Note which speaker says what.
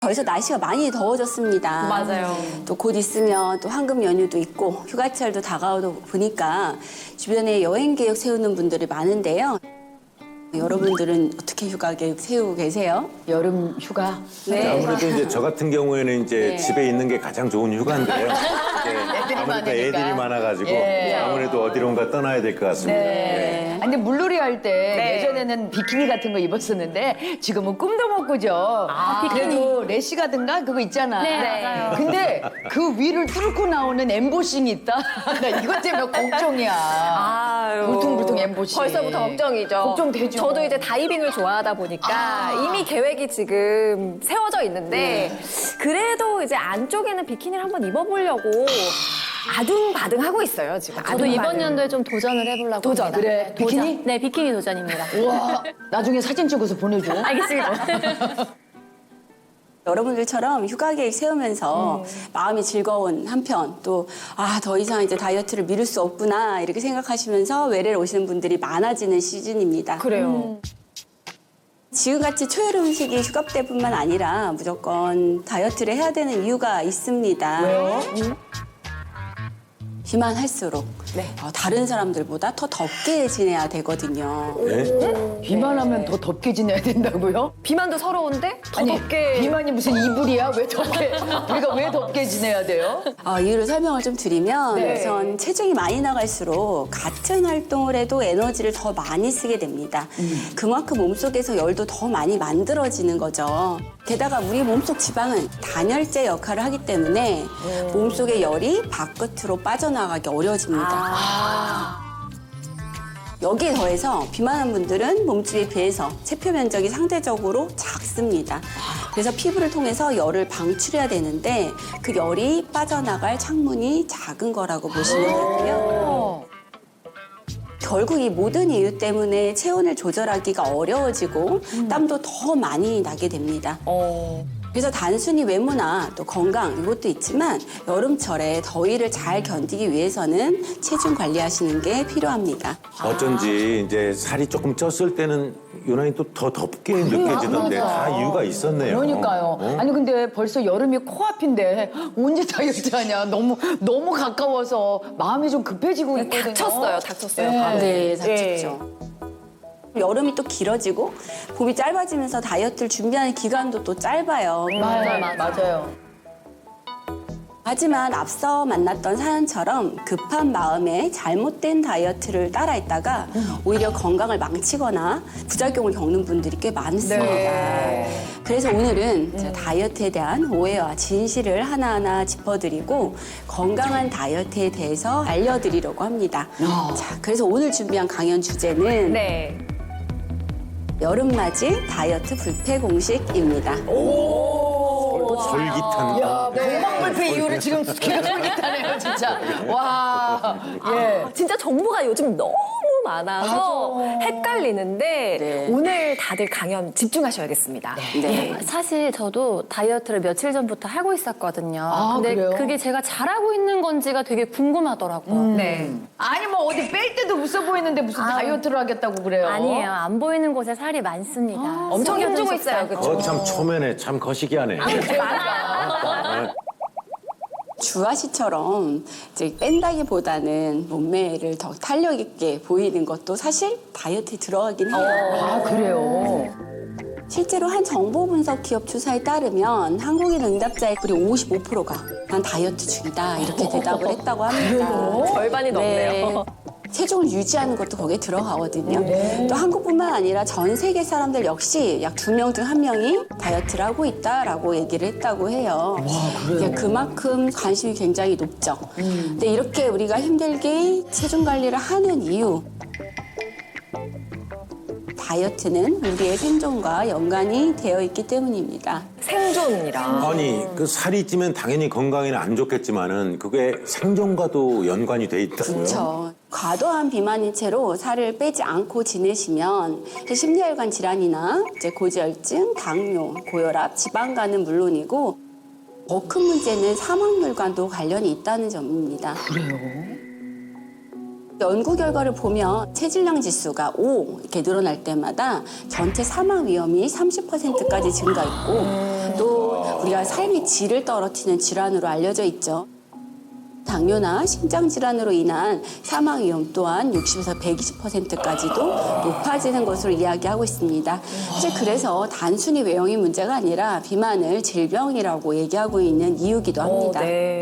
Speaker 1: 벌써 날씨가 많이 더워졌습니다.
Speaker 2: 맞아요.
Speaker 1: 또 곧 있으면 또 황금 연휴도 있고 휴가철도 다가오다 보니까 주변에 여행 계획 세우는 분들이 많은데요. 여러분들은 어떻게 휴가 계획 세우고 계세요?
Speaker 3: 여름 휴가.
Speaker 1: 네.
Speaker 4: 아무래도 이제 저 같은 경우에는 이제
Speaker 1: 네.
Speaker 4: 집에 있는 게 가장 좋은 휴가인데요. 이제 아무래도
Speaker 3: 많으니까.
Speaker 4: 애들이 많아가지고
Speaker 3: 예.
Speaker 4: 아무래도 어디론가 떠나야 될 것 같습니다.
Speaker 3: 네. 아니, 근데 물놀이 할 때
Speaker 2: 네.
Speaker 3: 예전에는 비키니 같은 거 입었었는데 지금은 꿈도 못 꾸죠. 그래도 래시가든가 그거 있잖아.
Speaker 2: 네, 맞아요.
Speaker 3: 근데 그 위를 뚫고 나오는 엠보싱이 있다. 나 이것 때문에 걱정이야.
Speaker 2: 아유.
Speaker 3: 울퉁불퉁 엠보싱.
Speaker 2: 벌써부터 걱정이죠.
Speaker 3: 걱정되죠.
Speaker 2: 저도 이제 다이빙을 좋아하다 보니까 이미 계획이 지금 세워져 있는데 그래도 이제 안쪽에는 비키니를 한번 입어보려고 아둥바둥 하고 있어요, 지금.
Speaker 5: 저도 이번 연도에 좀 도전을 해보려고
Speaker 2: 도전.
Speaker 5: 합니다.
Speaker 3: 그래, 비키니?
Speaker 5: 네, 비키니 도전입니다.
Speaker 3: 우와, 나중에 사진 찍어서 보내줘.
Speaker 5: 알겠습니다.
Speaker 1: 여러분들처럼 휴가 계획 세우면서 마음이 즐거운 한편 또 더 이상 이제 다이어트를 미룰 수 없구나 이렇게 생각하시면서 외래를 오시는 분들이 많아지는 시즌입니다.
Speaker 2: 그래요.
Speaker 1: 지금같이 초여름 음식이 휴가 때뿐만 아니라 무조건 다이어트를 해야 되는 이유가 있습니다.
Speaker 3: 왜요?
Speaker 1: 비만 할수록
Speaker 2: 네.
Speaker 1: 다른 사람들보다 더 덥게 지내야 되거든요.
Speaker 4: 네?
Speaker 3: 비만하면 더 덥게 지내야 된다고요?
Speaker 2: 비만도 서러운데 더
Speaker 3: 아니,
Speaker 2: 덥게.
Speaker 3: 비만이 무슨 이불이야? 왜 덥게? 우리가 왜 덥게 지내야 돼요?
Speaker 1: 이유를 설명을 좀 드리면
Speaker 3: 네.
Speaker 1: 우선 체중이 많이 나갈수록 같은 활동을 해도 에너지를 더 많이 쓰게 됩니다. 그만큼 몸속에서 열도 더 많이 만들어지는 거죠. 게다가 우리 몸속 지방은 단열재 역할을 하기 때문에 몸속의 열이 바깥으로 빠져나가기 어려워집니다. 여기에 더해서 비만한 분들은 몸집에 비해서 체표 면적이 상대적으로 작습니다. 그래서 피부를 통해서 열을 방출해야 되는데 그 열이 빠져나갈 창문이 작은 거라고 보시면 되고요. 결국 이 모든 이유 때문에 체온을 조절하기가 어려워지고 땀도 더 많이 나게 됩니다. 그래서 단순히 외모나 또 건강 이것도 있지만 여름철에 더위를 잘 견디기 위해서는 체중 관리하시는 게 필요합니다.
Speaker 4: 어쩐지 이제 살이 조금 쪘을 때는 유난히 또 더 덥게 느껴지던데 다 이유가 있었네요.
Speaker 3: 그러니까요. 아니 근데 벌써 여름이 코앞인데 언제 다이어트 하냐. 너무 가까워서 마음이 좀 급해지고 있거든요.
Speaker 2: 닥쳤어요.
Speaker 1: 네, 닥쳤죠. 여름이 또 길어지고 봄이 짧아지면서 다이어트를 준비하는 기간도 또 짧아요.
Speaker 3: 맞아요.
Speaker 1: 하지만 앞서 만났던 사연처럼 급한 마음에 잘못된 다이어트를 따라했다가 오히려 건강을 망치거나 부작용을 겪는 분들이 꽤 많습니다. 그래서 오늘은 다이어트에 대한 오해와 진실을 하나하나 짚어드리고 건강한 다이어트에 대해서 알려드리려고 합니다. 자, 그래서 오늘 준비한 강연 주제는
Speaker 2: 네.
Speaker 1: 여름맞이 다이어트 불패 공식입니다.
Speaker 4: 솔깃한.
Speaker 3: 건강불패 이후로 지금 기가 솔깃하네요, 진짜. 와, 예.
Speaker 2: 진짜 정보가 요즘 너무 많아서 헷갈리는데
Speaker 1: 네.
Speaker 2: 오늘 다들 강연 집중하셔야겠습니다.
Speaker 1: 네.
Speaker 5: 사실 저도 다이어트를 며칠 전부터 하고 있었거든요.
Speaker 3: 아,
Speaker 5: 근데
Speaker 3: 그래요?
Speaker 5: 그게 제가 잘하고 있는 건지가 되게 궁금하더라고요.
Speaker 2: 네.
Speaker 3: 아니 뭐 어디 뺄 때도 없어 보이는데 무슨 다이어트를 하겠다고 그래요?
Speaker 5: 아니에요. 안 보이는 곳에 살이 많습니다.
Speaker 2: 엄청 힘주고 있어요. 그렇죠?
Speaker 4: 참 초면에 참 거시기하네.
Speaker 1: 주아 씨처럼 이제 뺀다기보다는 몸매를 더 탄력 있게 보이는 것도 사실 다이어트에 들어가긴 해요.
Speaker 3: 아, 그래요?
Speaker 1: 실제로 한 정보 분석 기업 조사에 따르면 한국인 응답자의 거의 55%가 난 다이어트 중이다 이렇게 대답을 했다고 합니다.
Speaker 2: 절반이 넘네요.
Speaker 1: 체중을 유지하는 것도 거기에 들어가거든요. 또 한국뿐만 아니라 전 세계 사람들 역시 약 2명 중 1명이 다이어트를 하고 있다라고 얘기를 했다고 해요. 그만큼 관심이 굉장히 높죠. 근데 이렇게 우리가 힘들게 체중 관리를 하는 이유 다이어트는 우리의 생존과 연관이 되어 있기 때문입니다.
Speaker 2: 생존이라.
Speaker 4: 아니 그 살이 찌면 당연히 건강에는 안 좋겠지만은 그게 생존과도 연관이 돼 있다고요?
Speaker 1: 그렇죠. 과도한 비만인 채로 살을 빼지 않고 지내시면 심리혈관 질환이나 이제 고지혈증, 당뇨, 고혈압, 지방간은 물론이고 더 큰 문제는 사망률과도 관련이 있다는 점입니다.
Speaker 3: 그래요?
Speaker 1: 연구 결과를 보면 체질량 지수가 5 이렇게 늘어날 때마다 전체 사망 위험이 30%까지 증가했고 또 우리가 삶의 질을 떨어뜨리는 질환으로 알려져 있죠. 당뇨나 심장질환으로 인한 사망 위험 또한 60에서 120%까지도 높아지는 것으로 이야기하고 있습니다. 사실 그래서 단순히 외형의 문제가 아니라 비만을 질병이라고 얘기하고 있는 이유기도 합니다.
Speaker 2: 네.